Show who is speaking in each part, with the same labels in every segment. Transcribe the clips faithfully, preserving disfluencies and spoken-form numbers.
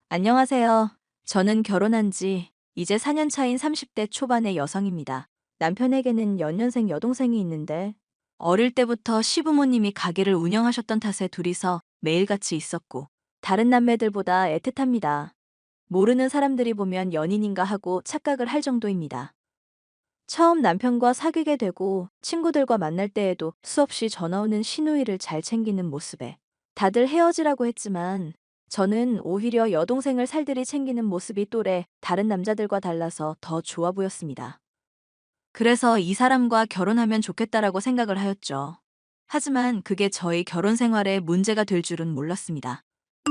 Speaker 1: 안녕하세요. 저는 결혼한 지 이제 사 년 차인 삼십 대 초반의 여성입니다. 남편에게는 연년생 여동생이 있는데 어릴 때부터 시부모님이 가게를 운영하셨던 탓에 둘이서 매일같이 있었고 다른 남매들보다 애틋합니다. 모르는 사람들이 보면 연인인가 하고 착각을 할 정도입니다. 처음 남편과 사귀게 되고 친구들과 만날 때에도 수없이 전화 오는 시누이를 잘 챙기는 모습에 다들 헤어지라고 했지만 저는 오히려 여동생을 살들이 챙기는 모습이 또래 다른 남자들과 달라서 더 좋아 보였습니다. 그래서 이 사람과 결혼하면 좋겠다라고 생각을 하였죠. 하지만 그게 저희 결혼 생활에 문제가 될 줄은 몰랐습니다.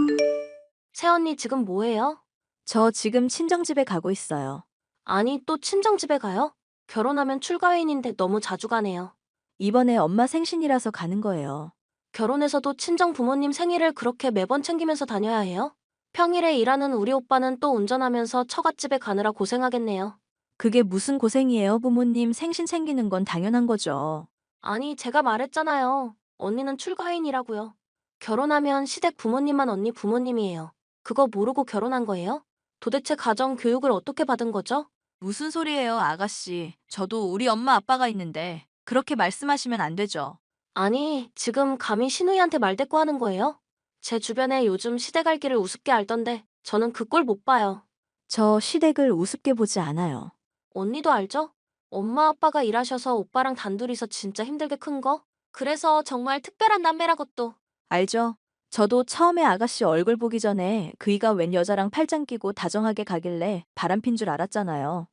Speaker 2: 새언니 지금 뭐해요?
Speaker 1: 저 지금 친정집에 가고 있어요.
Speaker 2: 아니, 또 친정집에 가요? 결혼하면 출가회인인데 너무 자주 가네요.
Speaker 1: 이번에 엄마 생신이라서 가는 거예요.
Speaker 2: 결혼해서도 친정 부모님 생일을 그렇게 매번 챙기면서 다녀야 해요? 평일에 일하는 우리 오빠는 또 운전하면서 처갓집에 가느라 고생하겠네요.
Speaker 1: 그게 무슨 고생이에요, 부모님 생신 챙기는 건 당연한 거죠.
Speaker 2: 아니, 제가 말했잖아요. 언니는 출가회인이라고요. 결혼하면 시댁 부모님만 언니 부모님이에요. 그거 모르고 결혼한 거예요? 도대체 가정 교육을 어떻게 받은 거죠?
Speaker 1: 무슨 소리예요, 아가씨. 저도 우리 엄마 아빠가 있는데 그렇게 말씀하시면 안 되죠.
Speaker 2: 아니, 지금 감히 신우이한테 말대꾸 하는 거예요? 제 주변에 요즘 시댁 알기를 우습게 알던데 저는 그 꼴 못 봐요.
Speaker 1: 저 시댁을 우습게 보지 않아요.
Speaker 2: 언니도 알죠? 엄마 아빠가 일하셔서 오빠랑 단둘이서 진짜 힘들게 큰 거? 그래서 정말 특별한 남매라고 또.
Speaker 1: 알죠? 저도 처음에 아가씨 얼굴 보기 전에 그이가 웬 여자랑 팔짱 끼고 다정하게 가길래 바람핀 줄 알았잖아요.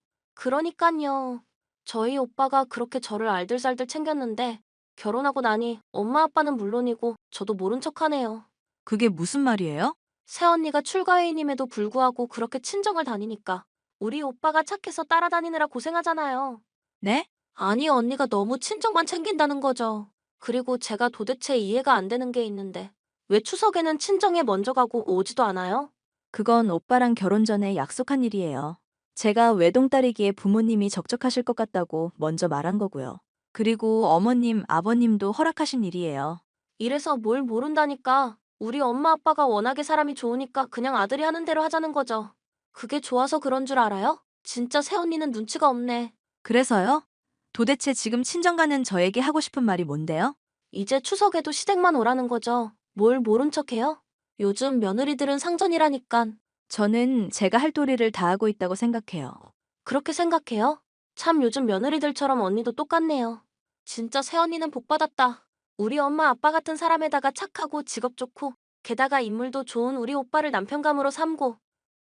Speaker 2: 그러니깐요. 저희 오빠가 그렇게 저를 알들살들 챙겼는데 결혼하고 나니 엄마 아빠는 물론이고 저도 모른 척하네요.
Speaker 1: 그게 무슨 말이에요?
Speaker 2: 새언니가 출가회의님에도 불구하고 그렇게 친정을 다니니까 우리 오빠가 착해서 따라다니느라 고생하잖아요.
Speaker 1: 네?
Speaker 2: 아니, 언니가 너무 친정만 챙긴다는 거죠. 그리고 제가 도대체 이해가 안 되는 게 있는데 왜 추석에는 친정에 먼저 가고 오지도 않아요?
Speaker 1: 그건 오빠랑 결혼 전에 약속한 일이에요. 제가 외동딸이기에 부모님이 적적하실 것 같다고 먼저 말한 거고요. 그리고 어머님, 아버님도 허락하신 일이에요.
Speaker 2: 이래서 뭘 모른다니까. 우리 엄마 아빠가 워낙에 사람이 좋으니까 그냥 아들이 하는 대로 하자는 거죠. 그게 좋아서 그런 줄 알아요? 진짜 새언니는 눈치가 없네.
Speaker 1: 그래서요? 도대체 지금 친정 가는 저에게 하고 싶은 말이 뭔데요?
Speaker 2: 이제 추석에도 시댁만 오라는 거죠. 뭘 모른 척해요? 요즘 며느리들은 상전이라니깐.
Speaker 1: 저는 제가 할 도리를 다하고 있다고 생각해요.
Speaker 2: 그렇게 생각해요? 참 요즘 며느리들처럼 언니도 똑같네요. 진짜 새언니는 복받았다. 우리 엄마 아빠 같은 사람에다가 착하고 직업 좋고 게다가 인물도 좋은 우리 오빠를 남편감으로 삼고.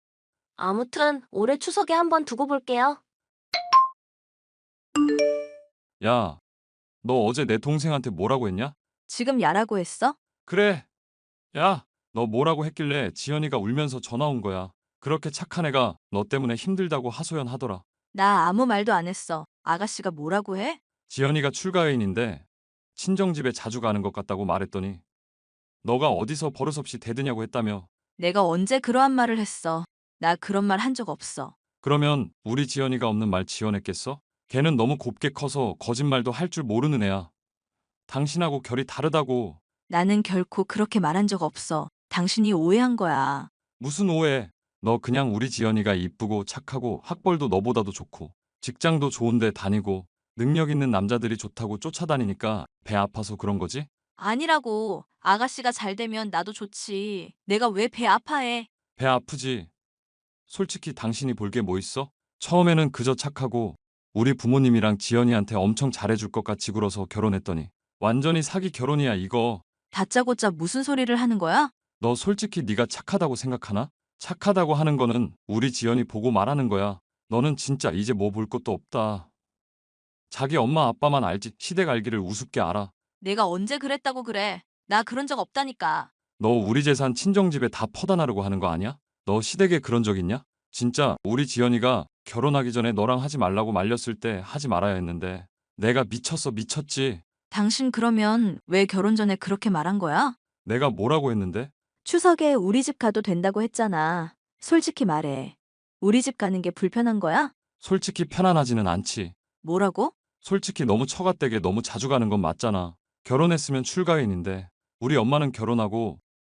Speaker 2: 아무튼 올해 추석에 한번 두고 볼게요.
Speaker 3: 야, 너 어제 내 동생한테 뭐라고 했냐?
Speaker 1: 지금 야라고 했어?
Speaker 3: 그래. 야, 너 뭐라고 했길래 지연이가 울면서 전화 온 거야. 그렇게 착한 애가 너 때문에 힘들다고 하소연하더라.
Speaker 1: 나 아무 말도 안 했어. 아가씨가 뭐라고 해?
Speaker 3: 지연이가 출가회인인데 친정집에 자주 가는 것 같다고 말했더니 너가 어디서 버릇없이 대드냐고 했다며.
Speaker 1: 내가 언제 그러한 말을 했어. 나 그런 말 한 적 없어.
Speaker 3: 그러면 우리 지연이가 없는 말 지어냈겠어? 걔는 너무 곱게 커서 거짓말도 할 줄 모르는 애야. 당신하고 결이 다르다고.
Speaker 1: 나는 결코 그렇게 말한 적 없어. 당신이 오해한 거야.
Speaker 3: 무슨 오해. 너 그냥 우리 지연이가 이쁘고 착하고 학벌도 너보다도 좋고 직장도 좋은데 다니고 능력 있는 남자들이 좋다고 쫓아다니니까 배 아파서 그런 거지?
Speaker 1: 아니라고. 아가씨가 잘 되면 나도 좋지. 내가 왜 배 아파해?
Speaker 3: 배 아프지. 솔직히 당신이 볼 게 뭐 있어? 처음에는 그저 착하고 우리 부모님이랑 지연이한테 엄청 잘해줄 것 같이 굴어서 결혼했더니 완전히 사기 결혼이야 이거.
Speaker 1: 다짜고짜 무슨 소리를 하는 거야?
Speaker 3: 너 솔직히 네가 착하다고 생각하나? 착하다고 하는 거는 우리 지연이 보고 말하는 거야. 너는 진짜 이제 뭐 볼 것도 없다. 자기 엄마 아빠만 알지 시댁 알기를 우습게 알아.
Speaker 1: 내가 언제 그랬다고 그래. 나 그런 적 없다니까.
Speaker 3: 너 우리 재산 친정집에 다 퍼다 나르고 하는 거 아니야? 너 시댁에 그런 적 있냐? 진짜 우리 지연이가 결혼하기 전에 너랑 하지 말라고 말렸을 때 하지 말아야 했는데 내가 미쳤어 미쳤지.
Speaker 1: 당신 그러면 왜 결혼 전에 그렇게 말한 거야?
Speaker 3: 내가 뭐라고 했는데?
Speaker 1: 추석에 우리 집 가도 된다고 했잖아. 솔직히 말해. 우리 집 가는 게 불편한 거야?
Speaker 3: 솔직히 편안하지는 않지.
Speaker 1: 뭐라고?
Speaker 3: 솔직히 너무 처갓댁에 너무 자주 가는 건 맞잖아. 결혼했으면 출가인인데 우리 엄마는 결혼하고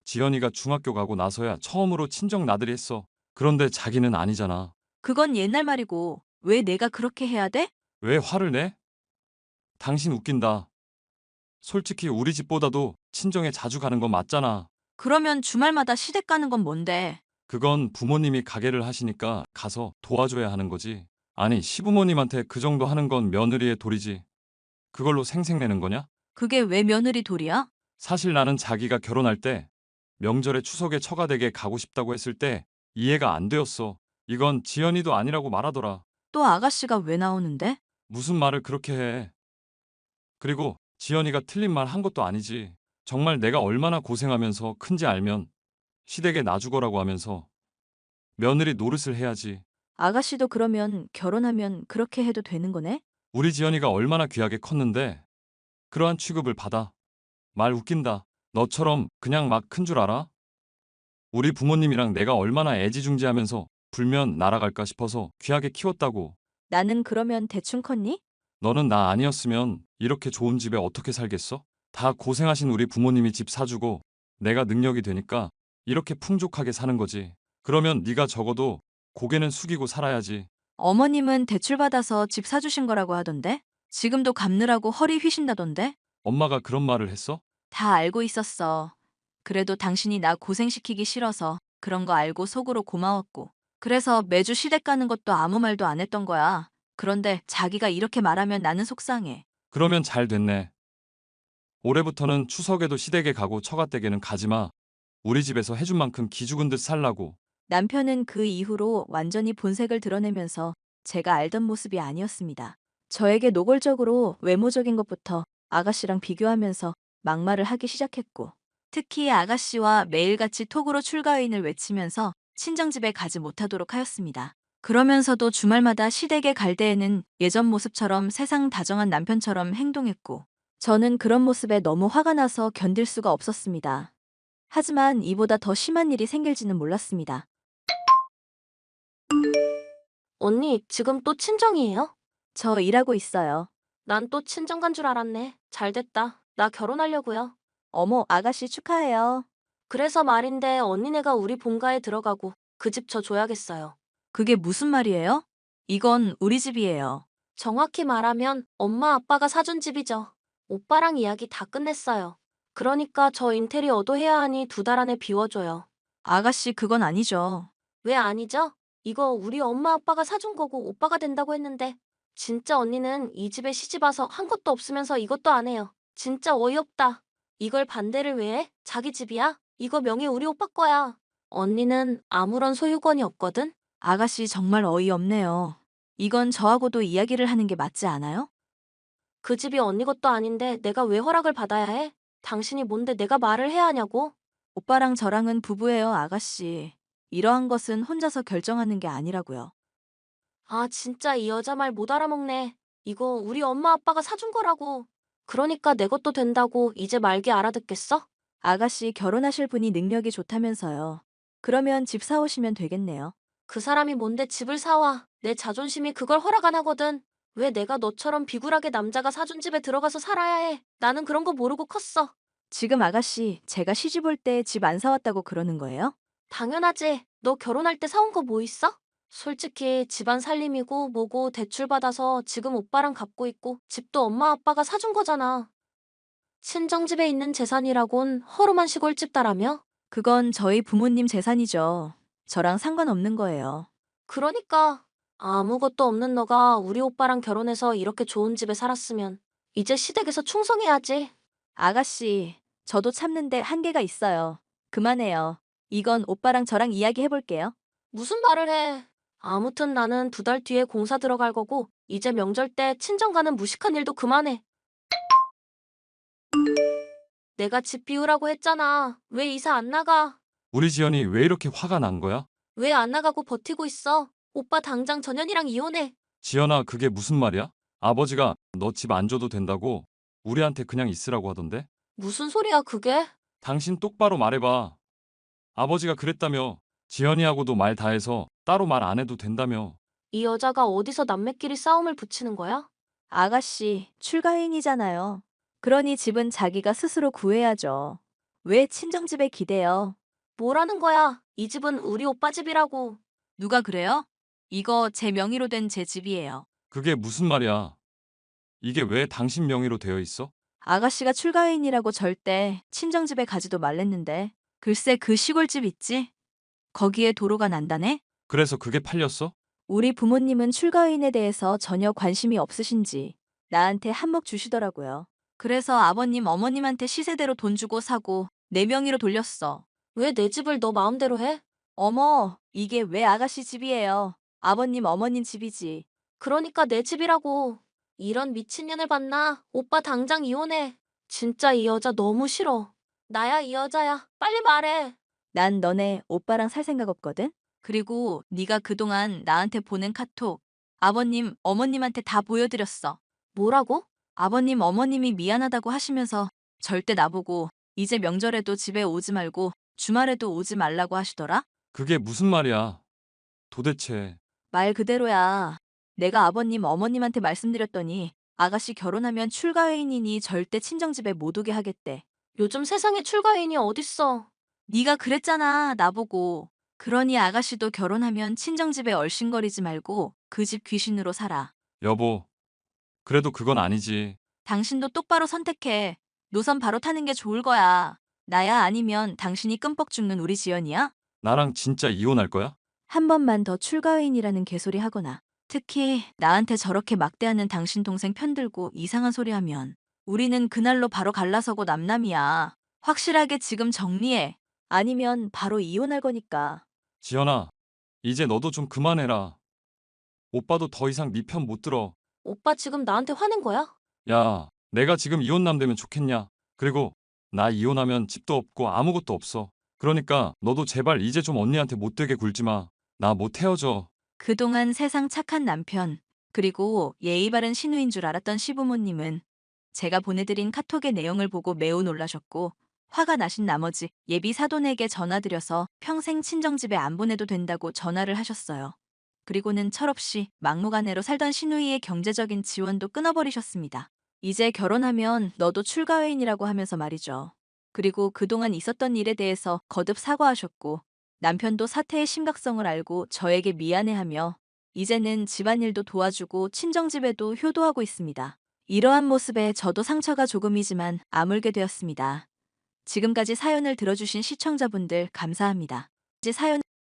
Speaker 3: 지연이가 중학교 가고 나서야 처음으로 친정 나들이 했어. 그런데 자기는 아니잖아.
Speaker 1: 그건 옛날 말이고 왜 내가 그렇게 해야 돼?
Speaker 3: 왜 화를 내? 당신 웃긴다. 솔직히 우리 집보다도 친정에 자주 가는 건 맞잖아.
Speaker 1: 그러면 주말마다 시댁 가는 건 뭔데?
Speaker 3: 그건 부모님이 가게를 하시니까 가서 도와줘야 하는 거지. 아니, 시부모님한테 그 정도 하는 건 며느리의 도리지. 그걸로 생색내는 거냐?
Speaker 1: 그게 왜 며느리 도리야?
Speaker 3: 사실 나는 자기가 결혼할 때 명절에 추석에 처가댁에 가고 싶다고 했을 때 이해가 안 되었어. 이건 지연이도 아니라고 말하더라.
Speaker 1: 또 아가씨가 왜 나오는데?
Speaker 3: 무슨 말을 그렇게 해. 그리고 지연이가 틀린 말 한 것도 아니지. 정말 내가 얼마나 고생하면서 큰지 알면 시댁에 놔주거라고 하면서 며느리 노릇을 해야지.
Speaker 1: 아가씨도 그러면 결혼하면 그렇게 해도 되는 거네?
Speaker 3: 우리 지연이가 얼마나 귀하게 컸는데 그러한 취급을 받아. 말 웃긴다. 너처럼 그냥 막 큰 줄 알아? 우리 부모님이랑 내가 얼마나 애지중지하면서 불면 날아갈까 싶어서 귀하게 키웠다고.
Speaker 1: 나는 그러면 대충 컸니?
Speaker 3: 너는 나 아니었으면 이렇게 좋은 집에 어떻게 살겠어? 다 고생하신 우리 부모님이 집 사주고 내가 능력이 되니까 이렇게 풍족하게 사는 거지. 그러면 네가 적어도 고개는 숙이고 살아야지.
Speaker 1: 어머님은 대출받아서 집 사주신 거라고 하던데? 지금도 갚느라고 허리 휘신다던데?
Speaker 3: 엄마가 그런 말을 했어?
Speaker 1: 다 알고 있었어. 그래도 당신이 나 고생시키기 싫어서 그런 거 알고 속으로 고마웠고. 그래서 매주 시댁 가는 것도 아무 말도 안 했던 거야. 그런데 자기가 이렇게 말하면 나는 속상해.
Speaker 3: 그러면 잘 됐네. 올해부터는 추석에도 시댁에 가고 처가댁에는 가지 마. 우리 집에서 해준 만큼 기죽은 듯 살라고.
Speaker 1: 남편은 그 이후로 완전히 본색을 드러내면서 제가 알던 모습이 아니었습니다. 저에게 노골적으로 외모적인 것부터 아가씨랑 비교하면서 막말을 하기 시작했고, 특히 아가씨와 매일같이 톡으로 출가인을 외치면서 친정집에 가지 못하도록 하였습니다. 그러면서도 주말마다 시댁에 갈 때에는 예전 모습처럼 세상 다정한 남편처럼 행동했고, 저는 그런 모습에 너무 화가 나서 견딜 수가 없었습니다. 하지만 이보다 더 심한 일이 생길지는 몰랐습니다.
Speaker 2: 언니, 지금 또 친정이에요?
Speaker 1: 저 일하고 있어요.
Speaker 2: 난 또 친정 간 줄 알았네. 잘 됐다. 나 결혼하려고요.
Speaker 1: 어머, 아가씨 축하해요.
Speaker 2: 그래서 말인데 언니네가 우리 본가에 들어가고 그 집 저 줘야겠어요.
Speaker 1: 그게 무슨 말이에요? 이건 우리 집이에요.
Speaker 2: 정확히 말하면 엄마 아빠가 사준 집이죠. 오빠랑 이야기 다 끝냈어요. 그러니까 저 인테리어도 해야 하니 두 달 안에 비워줘요.
Speaker 1: 아가씨, 그건 아니죠.
Speaker 2: 왜 아니죠? 이거 우리 엄마 아빠가 사준 거고 오빠가 된다고 했는데 진짜 언니는 이 집에 시집 와서 한 것도 없으면서 이것도 안 해요. 진짜 어이없다. 이걸 반대를 왜 해? 자기 집이야? 이거 명의 우리 오빠 거야. 언니는 아무런 소유권이 없거든?
Speaker 1: 아가씨, 정말 어이없네요. 이건 저하고도 이야기를 하는 게 맞지 않아요?
Speaker 2: 그 집이 언니 것도 아닌데 내가 왜 허락을 받아야 해? 당신이 뭔데 내가 말을 해야 하냐고?
Speaker 1: 오빠랑 저랑은 부부예요, 아가씨. 이러한 것은 혼자서 결정하는 게 아니라고요.
Speaker 2: 아, 진짜 이 여자 말 못 알아먹네. 이거 우리 엄마 아빠가 사준 거라고. 그러니까 내 것도 된다고 이제 말기 알아듣겠어?
Speaker 1: 아가씨, 결혼하실 분이 능력이 좋다면서요. 그러면 집 사오시면 되겠네요.
Speaker 2: 그 사람이 뭔데 집을 사와. 내 자존심이 그걸 허락 안 하거든. 왜 내가 너처럼 비굴하게 남자가 사준 집에 들어가서 살아야 해? 나는 그런 거 모르고 컸어.
Speaker 1: 지금 아가씨, 제가 시집 올 때 집 안 사왔다고 그러는 거예요?
Speaker 2: 당연하지. 너 결혼할 때 사온 거 뭐 있어? 솔직히 집안 살림이고 뭐고 대출 받아서 지금 오빠랑 갚고 있고 집도 엄마 아빠가 사준 거잖아. 친정집에 있는 재산이라곤 허름한 시골집다라며?
Speaker 1: 그건 저희 부모님 재산이죠. 저랑 상관없는 거예요.
Speaker 2: 그러니까 아무것도 없는 너가 우리 오빠랑 결혼해서 이렇게 좋은 집에 살았으면 이제 시댁에서 충성해야지.
Speaker 1: 아가씨, 저도 참는데 한계가 있어요. 그만해요. 이건 오빠랑 저랑 이야기해 볼게요.
Speaker 2: 무슨 말을 해. 아무튼 나는 두 달 뒤에 공사 들어갈 거고 이제 명절 때 친정 가는 무식한 일도 그만해. 내가 집 비우라고 했잖아. 왜 이사 안 나가?
Speaker 3: 우리 지연이 왜 이렇게 화가 난 거야?
Speaker 2: 왜 안 나가고 버티고 있어? 오빠 당장 전현이랑 이혼해.
Speaker 3: 지연아, 그게 무슨 말이야? 아버지가 너 집 안 줘도 된다고 우리한테 그냥 있으라고 하던데?
Speaker 2: 무슨 소리야 그게?
Speaker 3: 당신 똑바로 말해봐. 아버지가 그랬다며. 지연이하고도 말 다해서 따로 말 안 해도 된다며.
Speaker 2: 이 여자가 어디서 남매끼리 싸움을 붙이는 거야?
Speaker 1: 아가씨, 출가인이잖아요. 그러니 집은 자기가 스스로 구해야죠. 왜 친정집에 기대요?
Speaker 2: 뭐라는 거야? 이 집은 우리 오빠 집이라고.
Speaker 1: 누가 그래요? 이거 제 명의로 된 제 집이에요.
Speaker 3: 그게 무슨 말이야? 이게 왜 당신 명의로 되어 있어?
Speaker 1: 아가씨가 출가회인이라고 절대 친정집에 가지도 말랬는데. 글쎄 그 시골집 있지? 거기에 도로가 난다네?
Speaker 3: 그래서 그게 팔렸어?
Speaker 1: 우리 부모님은 출가회인에 대해서 전혀 관심이 없으신지 나한테 한몫 주시더라고요. 그래서 아버님, 어머님한테 시세대로 돈 주고 사고 내 명의로 돌렸어.
Speaker 2: 왜 내 집을 너 마음대로 해?
Speaker 1: 어머, 이게 왜 아가씨 집이에요? 아버님, 어머님 집이지.
Speaker 2: 그러니까 내 집이라고. 이런 미친년을 봤나? 오빠 당장 이혼해. 진짜 이 여자 너무 싫어. 나야 이 여자야. 빨리 말해.
Speaker 1: 난 너네 오빠랑 살 생각 없거든? 그리고 네가 그동안 나한테 보낸 카톡 아버님, 어머님한테 다 보여드렸어.
Speaker 2: 뭐라고?
Speaker 1: 아버님, 어머님이 미안하다고 하시면서 절대 나보고 이제 명절에도 집에 오지 말고 주말에도 오지 말라고 하시더라?
Speaker 3: 그게 무슨 말이야? 도대체
Speaker 1: 말 그대로야. 내가 아버님, 어머님한테 말씀드렸더니 아가씨 결혼하면 출가회인이니 절대 친정집에 못 오게 하겠대.
Speaker 2: 요즘 세상에 출가인이 어딨어.
Speaker 1: 네가 그랬잖아, 나보고. 그러니 아가씨도 결혼하면 친정집에 얼씬거리지 말고 그 집 귀신으로 살아.
Speaker 3: 여보, 그래도 그건 아니지.
Speaker 1: 당신도 똑바로 선택해. 노선 바로 타는 게 좋을 거야. 나야 아니면 당신이 끔뻑 죽는 우리 지연이야?
Speaker 3: 나랑 진짜 이혼할 거야?
Speaker 1: 한 번만 더 출가회인이라는 개소리 하거나 특히 나한테 저렇게 막대하는 당신 동생 편들고 이상한 소리 하면 우리는 그날로 바로 갈라서고 남남이야. 확실하게 지금 정리해. 아니면 바로 이혼할 거니까.
Speaker 3: 지연아, 이제 너도 좀 그만해라. 오빠도 더 이상 네 편 못 들어.
Speaker 2: 오빠 지금 나한테 화낸 거야?
Speaker 3: 야, 내가 지금 이혼남 되면 좋겠냐? 그리고 나 이혼하면 집도 없고 아무것도 없어. 그러니까 너도 제발 이제 좀 언니한테 못되게 굴지 마. 나 못 헤어져.
Speaker 1: 그동안 세상 착한 남편, 그리고 예의 바른 신우인 줄 알았던 시부모님은 제가 보내드린 카톡의 내용을 보고 매우 놀라셨고 화가 나신 나머지 예비 사돈에게 전화드려서 평생 친정집에 안 보내도 된다고 전화를 하셨어요. 그리고는 철없이 막무가내로 살던 시누이의 경제적인 지원도 끊어버리셨습니다. 이제 결혼하면 너도 출가회인이라고 하면서 말이죠. 그리고 그동안 있었던 일에 대해서 거듭 사과하셨고 남편도 사태의 심각성을 알고 저에게 미안해하며 이제는 집안일도 도와주고 친정집에도 효도하고 있습니다. 이러한 모습에 저도 상처가 조금이지만 아물게 되었습니다. 지금까지 사연을 들어주신 시청자분들 감사합니다. 이제 사연